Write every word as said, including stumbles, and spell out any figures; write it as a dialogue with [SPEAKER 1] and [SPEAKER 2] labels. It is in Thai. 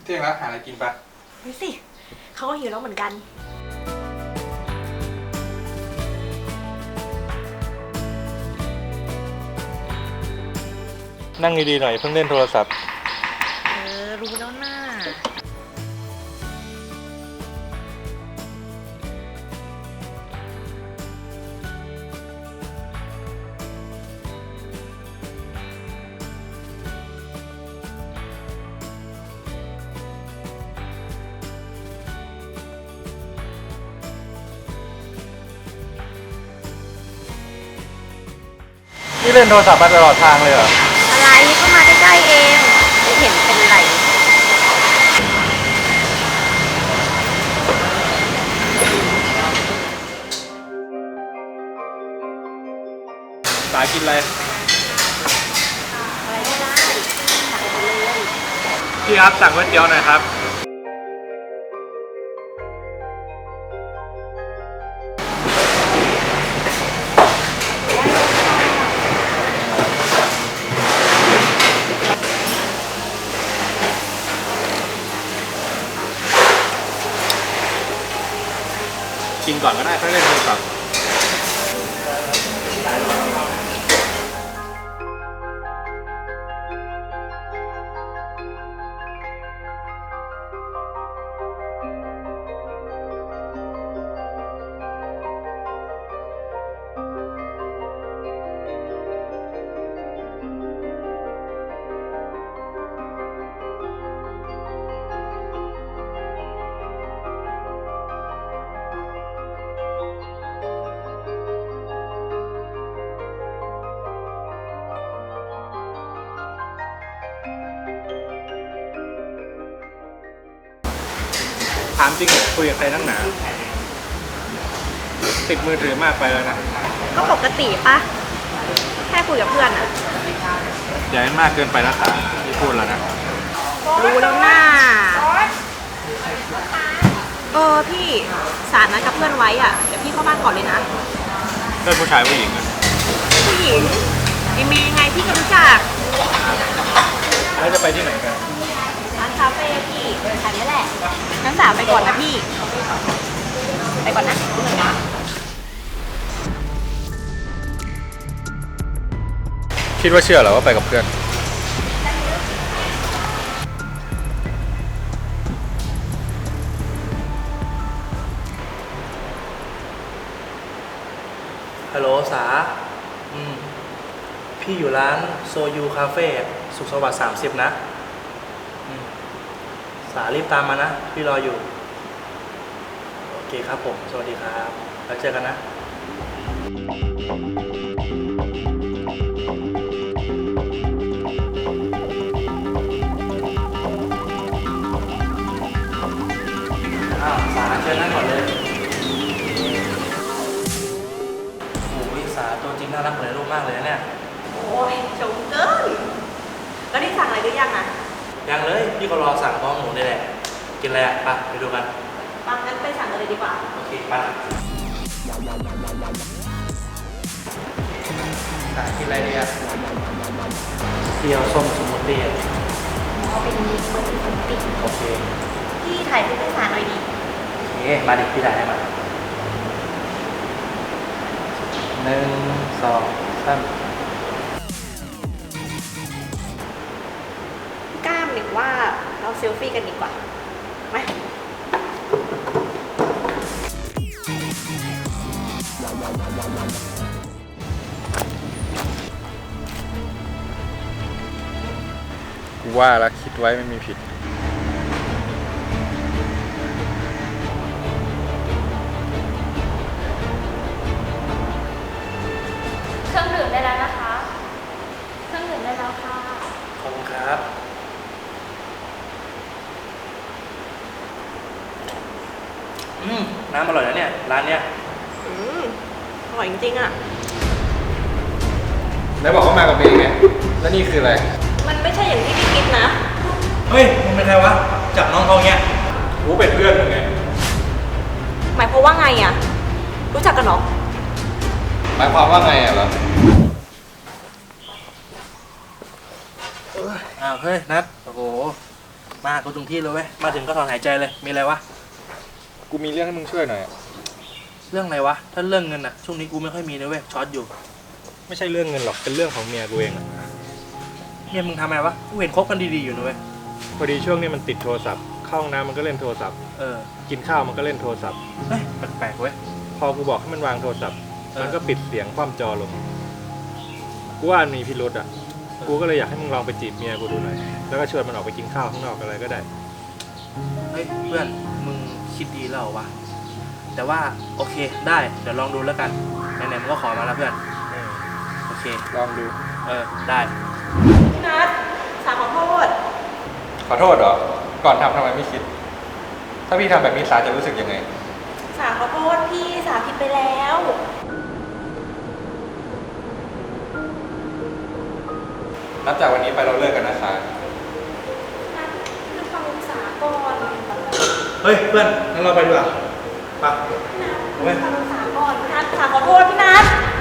[SPEAKER 1] เที่ยงแล้วหาอะไรกินปะ
[SPEAKER 2] ไปสิเขาก็หิวแล้วเหมือนกัน
[SPEAKER 1] นั่งดีๆหน่อยเพิ่งเล่นโทรศัพท์
[SPEAKER 2] เออรู้แล้วน่า
[SPEAKER 1] นี่เล่นโทรศัพท์มาตลอดทางเลยเหรอ
[SPEAKER 2] อะไรก็มาใกล้ๆเองไม่เห็นเป็นไร
[SPEAKER 1] สายกินอะไร
[SPEAKER 2] อะไรก็ได้สั่งไปเลย
[SPEAKER 1] พี่ครับสั่งก๋วยเตี๋ยวหน่อยครับกินก่อนก็ได้ค่อยเล่นโทรศัพท์ถามจริงคุยกับใครนั่งหนาติดมือถือมากไปแล้วนะ
[SPEAKER 2] ก็ปกติปะแค่คุยกับเพื่อนอะ
[SPEAKER 1] อย่าให้มากเกินไปนะสาที่พูดแล้วนะ
[SPEAKER 2] รู้แล้วน่าเออพี่สารนัดกับเพื่อนไว้อ่ะเดี๋ยวพี่เข้าบ้านก่อนเลยนะ
[SPEAKER 1] เพื่อนผู้ชายผู้หญิงอะ
[SPEAKER 2] ผู้หญิงไอเมย์ไงพี่ก็รู้จัก
[SPEAKER 1] แล้วจะไปที่ไหนกัน
[SPEAKER 2] ร้านคาเฟ่พี่แถวนี้แหละงั้นสาวไปก่อนนะพี่ไปก่อนนะเหนื่อยนะ
[SPEAKER 1] คิดว่าเชื่อเหรอว่าไปกับเพื่อน
[SPEAKER 3] ฮัลโหลสาอืมพี่อยู่ร้านโซยูคาเฟ่สุขสวัสดิ์สามสิบนะอืมสารีบตามมานะพี่รออยู่โอเคครับผมสวัสดีครับแล้วเจอกันนะอ้าวสาเชิญนั่งก่อนเลยสาตัวจริงน่ารักเหมือนในรูปมากเลยนะเนี่ย
[SPEAKER 2] โอ้ยชมเกินแล้วนี่สั่งอะไรหรือยังอ่ะ
[SPEAKER 3] ยังเลยพี่ก็รอสั่งพร้อมหมูนี่แหละกินอะไรอ่ะไปไปดูกัน
[SPEAKER 2] ปังงั้นไปสั่งกันเลยดีกว่า
[SPEAKER 3] โอเคไปสากินอะไรดีอ่ะเกี๊ยวส้มสมูทตี้
[SPEAKER 2] เอาเป็นมีเบอร์ที่ผมปิด
[SPEAKER 3] โอเค
[SPEAKER 2] พี่ถ่ายรูปให้สารหน่อยดิ
[SPEAKER 3] โอเคมาดิพี่ถ่ายให้มาหนึ่งสองสาม
[SPEAKER 2] กล้ามหรือว่าเราเซลฟี่กันดีกว่าไหม
[SPEAKER 1] กูว่าแล้วคิดไว้ไม่มีผิด
[SPEAKER 4] เครื่องดื่มได้แล้วนะคะเครื่องดื่มได้แล้วค่ะ
[SPEAKER 3] ขอบคุณครับอืมน้ำอร่อยนะเนี่ยร้านเนี้ย
[SPEAKER 2] อืมอร่อยจริงๆอ่ะ
[SPEAKER 1] ไหนบอกว่ามากับเมย์ไงแล้วนี่คืออะไร
[SPEAKER 2] มันไม่ใช่อย่างที่พี่คิดนะ
[SPEAKER 3] เฮ้ยมึงเป็นใครวะจับน้องเขาเงี้ย
[SPEAKER 1] กูเป็นเพื่อนมึงไง
[SPEAKER 2] หมายความว่าไงอ่ะรู้จักกันหรอ
[SPEAKER 1] หมายความว่าไงอ่ะเหรอ
[SPEAKER 3] อ้าวเฮ้ยนัทโอ้โหมากูถึงที่เลยเว้ยมาถึงก็ถอนหายใจเลยมีอะไรวะ
[SPEAKER 1] กูมีเรื่องให้มึงช่วยหน่อย
[SPEAKER 3] เรื่องอะไรวะถ้าเรื่องเงินอะช่วงนี้กูไม่ค่อยมีนะเว้ยช็อตอยู่
[SPEAKER 1] ไม่ใช่เรื่องเงินหรอก เป็นเรื่องของเมียกูเองอะ
[SPEAKER 3] เนี่ยมึงทำไมวะกูเห็นคบกันดีๆอยู่นะเว้ย
[SPEAKER 1] พอดีช่วงนี้มันติดโทรศัพท์ เข้าห้องน้ำมันก็เล่นโทรศัพท์
[SPEAKER 3] เออ
[SPEAKER 1] กินข้าวมันก็เล่นโทรศัพท์
[SPEAKER 3] เฮ้ยแปลกๆเว้ย
[SPEAKER 1] พอกูบอกให้มันวางโทรศัพท์
[SPEAKER 3] เออ
[SPEAKER 1] มันก็ปิดเสียงคว่ำจอลง กูว่ามีพิรุษอ่ะ กูก็เลยอยากให้มึงลองไปจีบเมียกูดูหน่อย แล้วก็ชวนมันออกไปกินข้าวข้างนอกอะไรก็ได้
[SPEAKER 3] เฮ้ยเพื่อนมึงคิดดีแล้วเหรอวะแต่ว่าโอเคได้เดี๋ยวลองดูแล้วกันไหนๆมึงก็ขอมาแล้วเพื่อนโอเค
[SPEAKER 1] ลองดู
[SPEAKER 3] เออได้
[SPEAKER 2] พี่นัทสาขอโทษ
[SPEAKER 1] ขอโทษเหรอ ก่อนทำทำไมไม่คิด ถ้าพี่ทำแบบนี้สาจะรู้สึกยังไง
[SPEAKER 2] สาขอโทษพี่สาผิดไปแล้ว
[SPEAKER 1] นับจากวันนี้ไปเราเลิกกันนะสา
[SPEAKER 2] นัทคือฟังสาก่อน
[SPEAKER 3] เฮ้ยเพื่อนงั้นเราไปดีกว่าไป
[SPEAKER 2] พี่นัท
[SPEAKER 3] เว้ย
[SPEAKER 2] ฟังสาก่อนพี่นัทสาขอโทษพี่นัท